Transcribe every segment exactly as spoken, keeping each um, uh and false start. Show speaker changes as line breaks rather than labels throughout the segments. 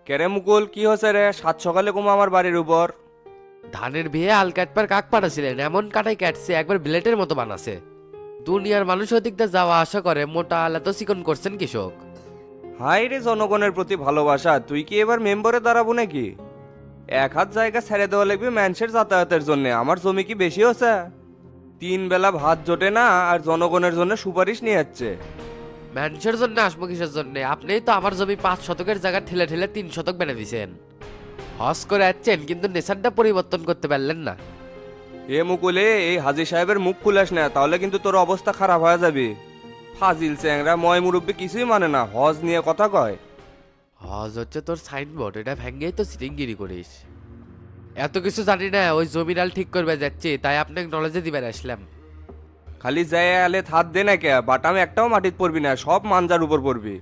কেরে মুকুল, কি হচ্ছে রে? সাত সকালে কুমা আমার বাড়ির উপর।
ধানের বিয়ে হাল কাটবার কাক পাঠাছিলেন, এমন কাটাই কাটছে একবার ব্লেটের মতো বানাছে। দুনিয়ার মানুষ ওদিক দিয়ে যাওয়া আশা করে, মোটা আলা তো চিকন করছেন কৃষক।
হাই রে, জনগণের প্রতি ভালোবাসা, তুই কি এবার মেম্বারে দাঁড়াবো নাকি? এক হাত জায়গা ছেড়ে দেওয়া লাগবে মানুষের যাতায়াতের জন্য। আমার জমি কি বেশি হচ্ছে? তিন বেলা ভাত জোটে না, আর জনগণের জন্য সুপারিশ নিয়ে যাচ্ছে।
মানুষের জন্য আসবো কিসের জন্য? আপনিই তো আমার জমি পাঁচ শতকের জায়গা ঠেলে ঠেলে তিন শতক বেড়ে দিছেন। হজ করে যাচ্ছেন কিন্তু নেশারটা পরিবর্তন করতে পারলেন না।
এ মুকুলে, এই হাজি সাহেবের মুখ খুলাস না, তাহলে কিন্তু তোর অবস্থা খারাপ হয়ে যাবে। ফাজিল চ্যাংরা ময় মুরব্বী কিছুই মানে না, হজ নিয়ে কথা কয়।
হজ হচ্ছে তোর সাইনবোর্ড, এটা ভেঙ্গেই তো সিটিংগিরি করিস। এত কিছু জানি না, ওই জমিরাল ঠিক করবে যাচ্ছি, তাই আপনাকে নলেজে দিবার আসলাম।
খালি যায় আলে হাত দে না কে, বাটাম একটাও মাটিত পড়বি না, সব মানজার উপর পড়বি।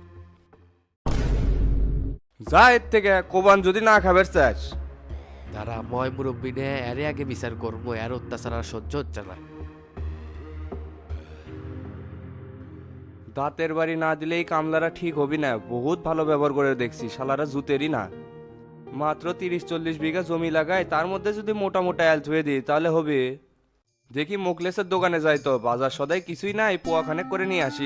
যা এর থেকে, কোবান যদি না খাবার চাস।
তারা ময় মুরব্বী নে এরে আগে বিচার করবো, এর অত্যাচার আর সহ্য হচ্ছে না।
দাঁতের বাড়ি না দিলেই কামলারা ঠিক হবি না, বহুত ভালো ব্যবহার করে দেখছি, শালারা জুতেরই না। মাত্র তিরিশ চল্লিশ বিঘা জমি লাগায়, তার মধ্যে যদি মোটা মোটা অ্যাল ধুয়ে দিই তাহলে হবে। দেখি মোকলেসের দোকানে যাই তো, বাজার সদাই কিছুই নাই, পোয়াখানে করে নিয়ে আসি।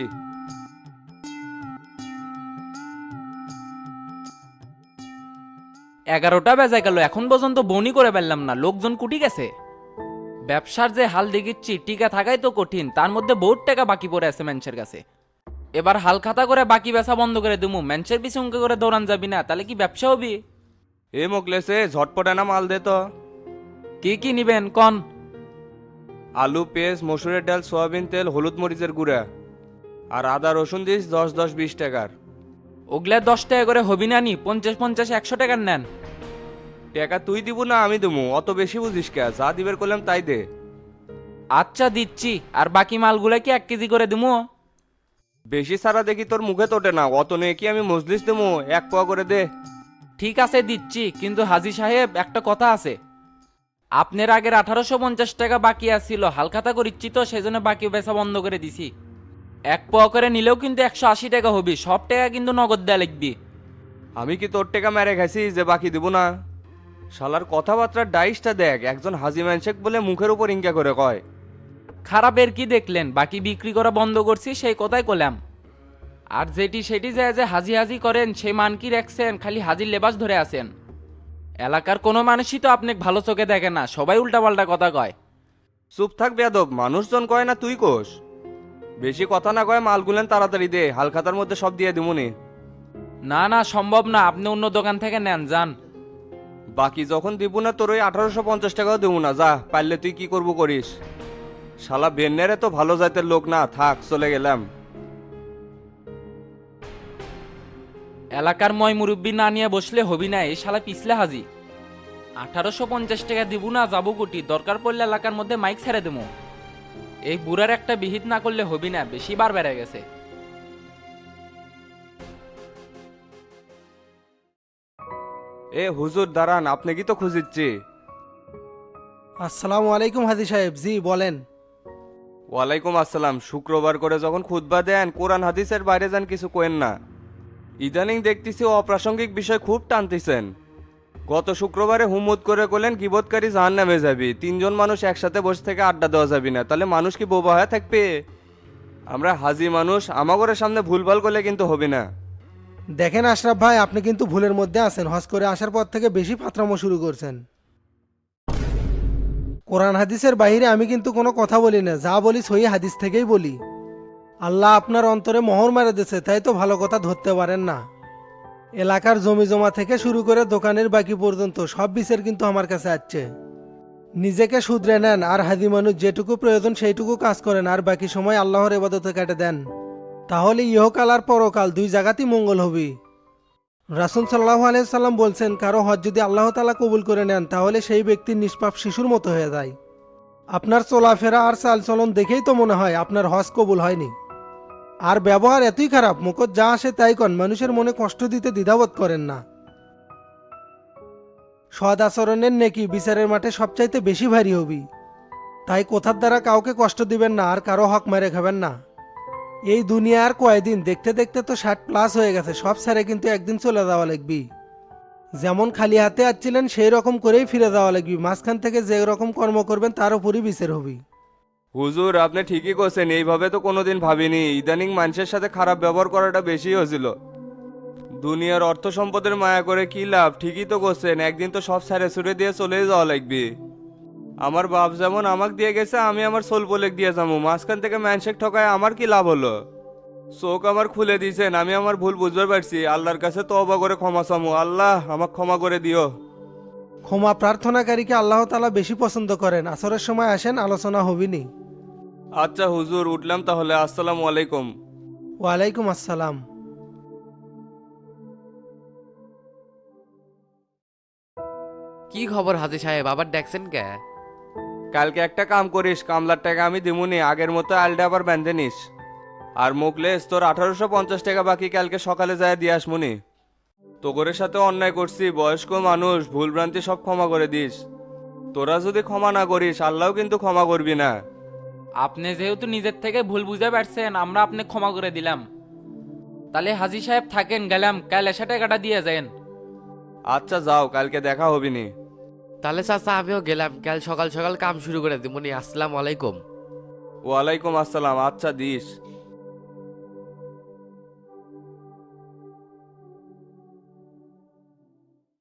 এগারোটা বেজে গেল, এখন পর্যন্ত বনি করে পারলাম না, লোকজন কুটি গেছে। ব্যবসার যে হাল দেখিচ্ছি, টিকা থাকাই তো কঠিন, তার মধ্যে বহুত টাকা বাকি পড়ে আছে ম্যানসের কাছে। এবার হাল খাতা করে বাকি বেচা বন্ধ করে দিমু, ম্যানসের পিছু উঙ্কে করে দৌড়ান যাবি না, তাহলে কি ব্যবসা হবি?
এ মোকলেসে ঝটপট না মাল দে তো।
কি কি নিবেন কন?
আলু, পেঁয়াজ, মসুরের ডাল, সয়াবিন তেল, হলুদ মরিচের গুঁড়া, আর আদা রসুন দিস দশ দশ বিশ টাকার।
ওগুলা দশ টাকা করে হবি না নি? পঞ্চাশ পঞ্চাশ একশো টাকার নেন।
টাকা তুই দিব না আমি দেবো? অত বেশি বুঝিস কে? যা দিবের করলাম তাই দে।
আচ্ছা দিচ্ছি, আর বাকি মালগুলা কি এক কেজি করে দিমু?
বেশি সারা দেখি তোর মুখে তোটে না, অত নিয়ে কি আমি মজলিস দেবো? এক পোয়া করে দে।
ঠিক আছে দিচ্ছি, কিন্তু হাজি সাহেব একটা কথা আছে। আপনার আগের আঠারোশো পঞ্চাশ টাকা বাকি আছিল, হালখাতা করিচ্ছি তো সেই জন্য বাকি বেচা বন্ধ করে দিছি। এক পোয়া করে নিলেও কিন্তু একশো আশি টাকা হবি, সব টাকা কিন্তু নগদ দেয়া লিখবি।
আমি কি তোর টাকা মেরে খাইছি যে বাকি দিব না? শালার কথাবার্তার ডাইসটা দেখ, একজন হাজি ম্যানশেক বলে মুখের উপর ইঙ্কা করে কয়।
খারাপের কি দেখলেন? বাকি বিক্রি করা বন্ধ করছি সেই কথাই কলাম। আর যেটি সেটি যায় যে হাজি হাজি করেন, সেই মান কি রাখছেন? খালি হাজির লেবাস ধরে আছেন। এলাকার কোনো মানুষই তো আপনাকে ভালো চোখে দেখে না, সবাই উল্টাপাল্টা কথা কয়।
চুপ থাক বেয়াদব, মানুষজন কয় না তুই কোষ। বেশি কথা না কয় মালগুলেন তাড়াতাড়ি দে, হালখাতার মধ্যে সব দিয়ে দিমুনি।
না না, সম্ভব না, আপনি অন্য দোকান থেকে নেন যান।
বাকি যখন দিব না তোর ওই আঠারোশো পঞ্চাশ টাকাও দেবো না, যা পারলে তুই কি করবো করিস। শালা বেন্নেরে তো ভালো জাতের লোক না, থাক চলে গেলাম।
এলাকার ময় মুরব্বী না নিয়ে বসলে হবি না, এই শালা পিছলে হাজি। আঠারোশো পঞ্চাশ টাকা দিব না, যাবো কোটি, দরকার পড়লে এলাকার মধ্যে মাইক ছেড়ে দেবো। এই বুড়ার একটা বিহিত না করলে হবি না, বেশি বার বেড়ে গেছে।
এ হুজুর দাঁড়ান, আপনি কি তো খুঁজিচ্ছি?
আসসালামু আলাইকুম হাজি সাহেব, জি বলেন।
ওয়ালাইকুম আসসালাম। শুক্রবার করে যখন খুতবা দেন, কোরআন হাদিসের বাইরে যান কিছু কোয়েন না। ইদানিং দেখতেছি অপ্রাসঙ্গিক বিষয় খুব টানতেছেন। গত শুক্রবারে হুমুদ করে বলেন গিবতকারী জাহান নামে যাবি, তিনজন মানুষ একসাথে বসে থেকে আড্ডা দেওয়া যাবি না, তাহলে মানুষ কি বোবা হয়ে থাকবে? আমরা হাজি মানুষ, আমাগরের সামনে ভুলভাল করলে কিন্তু হবে না।
দেখেন আশরাফ ভাই, আপনি কিন্তু ভুলের মধ্যে আছেন। হজ করে আসার পর থেকে বেশি ফাতরামো শুরু করছেন। কোরআন হাদিসের বাইরে আমি কিন্তু কোনো কথা বলি না, যা বলি সহি হাদিস থেকেই বলি। আল্লাহ আপনার অন্তরে মোহর মারে দিয়েছে, তাই তো ভালো কথা ধরতে পারেন না। এলাকার জমি জমা থেকে শুরু করে দোকানের বাকি পর্যন্ত সব বিচার কিন্তু আমার কাছে আসছে। নিজেকে শুধরে নেন, আর হাজি মানুষ যেটুকু প্রয়োজন সেইটুকু কাজ করেন, আর বাকি সময় আল্লাহর ইবাদতে কেটে দেন। তাহলে ইহকাল আর পরকাল দুই জায়গাতেই মঙ্গল হবে। রাসূল সাল্লাল্লাহু আলাইহি সাল্লাম বলছেন, কারো হজ যদি আল্লাহ তাআলা কবুল করে নেন, তাহলে সেই ব্যক্তি নিষ্পাপ শিশুর মতো হয়ে যায়। আপনার চলাফেরা আর চালচলন দেখেই তো মনে হয় আপনার হজ কবুল হয়নি। আর ব্যবহার এতই খারাপ, মুখত যা আসে তাই কন, মানুষের মনে কষ্ট দিতে দ্বিধাবোধ করেন না। সৎ আচরণের নেকি বিচারের মাঠে সবচাইতে বেশি ভারী হবি। তাই কথার দ্বারা কাউকে কষ্ট দিবেন না, আর কারো হক মেরে খাবেন না। এই দুনিয়া আর কয়দিন, দেখতে দেখতে তো ষাট প্লাস হয়ে গেছে, সব ছেড়ে কিন্তু একদিন চলে যাওয়া লাগবি। যেমন খালি হাতে আসছিলেন সেই রকম করেই ফিরে যাওয়া লাগবে, মাঝখান থেকে যে রকম কর্ম করবেন তার উপরই বিচার হবে।
হুজুর আপনি ঠিকই করছেন, এইভাবে তো কোনোদিন ভাবিনি। ইদানিং মানুষের সাথে খারাপ ব্যবহার করাটা বেশি হয়েছিল। দুনিয়ার অর্থ সম্পদের মায়া করে কি লাভ? ঠিকই তো করছেন, একদিন তো সব ছেড়ে ছুড়ে দিয়ে চলে যাওয়া লাগবে। আমার বাপ যেমন আমাকে দিয়ে গেছে, আমি আমার সোল পোলেক দিয়ে যাবো। মাঝখান থেকে ম্যানশেক ঠকায় আমার কি লাভ হলো? চোখ আমার খুলে দিয়েছেন, আমি আমার ভুল বুঝতে পারছি। আল্লাহর কাছে তওবা করে ক্ষমা চামু। আল্লাহ আমাকে ক্ষমা করে দিও।
ক্ষমা প্রার্থনাকারীকে আল্লাহ তাআলা বেশি পছন্দ করেন। আসরের সময় আসেন, আলোচনা হবিনি।
আচ্ছা হুজুর, উঠলাম তাহলে। আসসালামু আলাইকুম।
ওয়ালাইকুম আসসালাম।
কি খবর হাজি সাহেব, আবার দেখছেন কে?
কালকে একটা কাম করিস, কামলার টাকা আমি দিমুনি, আগের মতো আলটা আবার বেঁধে নিস। আর মুখলেস তোর আঠারোশো পঞ্চাশ টাকা বাকি, কালকে সকালে যায় দিয়ে আসমুনি। তোগরের সাথে অন্যায় করছি, বয়স্ক মানুষ, ভুলভ্রান্তি সব ক্ষমা করে দিস। তোরা যদি ক্ষমা না করিস, আল্লাহও কিন্তু ক্ষমা করবি না।
আপনি যেহেতু নিজের থেকে ভুল বুঝে পারছেন, আমরা আপনি ক্ষমা করে দিলাম। তাহলে হাজি সাহেব থাকেন, গেলাম, কাল এসে টাকাটা দিয়ে যান।
আচ্ছা যাও, কালকে দেখা হবিনি।
তাহলে চাচা আমিও গেলাম, কাল সকাল সকাল কাম শুরু করে দিমুনি। আসসালামু আলাইকুম।
ওয়ালাইকুম আসসালাম। আচ্ছা দিস।